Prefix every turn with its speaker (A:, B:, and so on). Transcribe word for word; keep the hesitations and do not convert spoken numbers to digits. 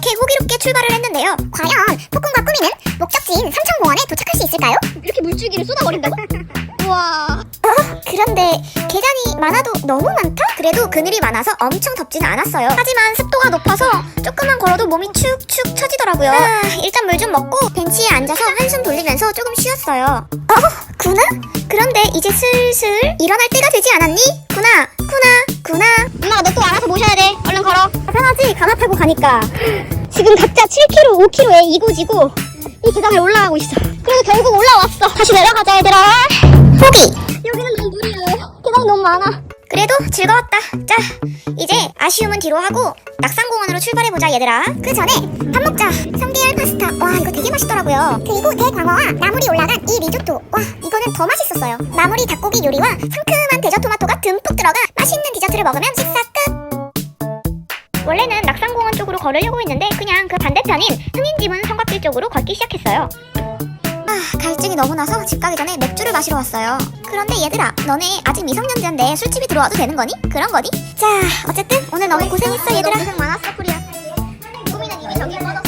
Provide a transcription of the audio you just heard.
A: 이렇게 호기롭게 출발을 했는데요. 과연 폭군과 꾸미는 목적지인 삼천공원에 도착할 수 있을까요?
B: 이렇게 물줄기를 쏟아버린다고? 우와.
A: 어, 그런데 계단이 많아도 너무 많다? 그래도 그늘이 많아서 엄청 덥지는 않았어요. 하지만 습도가 높아서 조금만 걸어도 몸이 축축 처지더라고요. 아, 일단 물 좀 먹고 벤치에 앉아서 한숨 돌리면서 조금 쉬었어요. 어? 구나? 그런데 이제 슬슬 일어날 때가 되지 않았니? 구나, 구나, 구나.
B: 엄마가 너 또 알아서 모셔야 돼. 얼른 걸어.
A: 편하지? 가나 타고 가니까.
B: 지금 각자 칠 킬로미터, 오 킬로미터에 이고지고 이 계단을 올라가고 있어. 그래도 결국 올라왔어. 다시 내려가자 얘들아.
A: 포기!
B: 여기는 너무 무리해. 계단이 너무 많아.
A: 그래도 즐거웠다. 자, 이제 아쉬움은 뒤로 하고 낙산공원으로 출발해보자 얘들아. 그 전에 밥 먹자. 삼계알 파스타. 와, 이거 되게 맛있더라고요. 그리고 대광어와 나물이 올라간 이 리조또. 와, 이거는 더 맛있었어요. 나물이 닭고기 요리와 상큼한 대저토마토가 듬뿍 들어가 맛있는 디저트를 먹으면 식사 끝. 원래는 낙산공원 쪽으로 걸으려고 했는데 그냥 그 반대편인 흥인지문 성곽길 쪽으로 걷기 시작했어요. 아, 갈증이 너무 나서 집 가기 전에 맥주를 마시러 왔어요. 그런데 얘들아, 너네 아직 미성년자인데 술집이 들어와도 되는 거니? 그런 거니? 자, 어쨌든 오늘 너무 고생했어 얘들아.
B: 고생 많았어, 프리야. 꾸미는 이미 저기 뻗었어.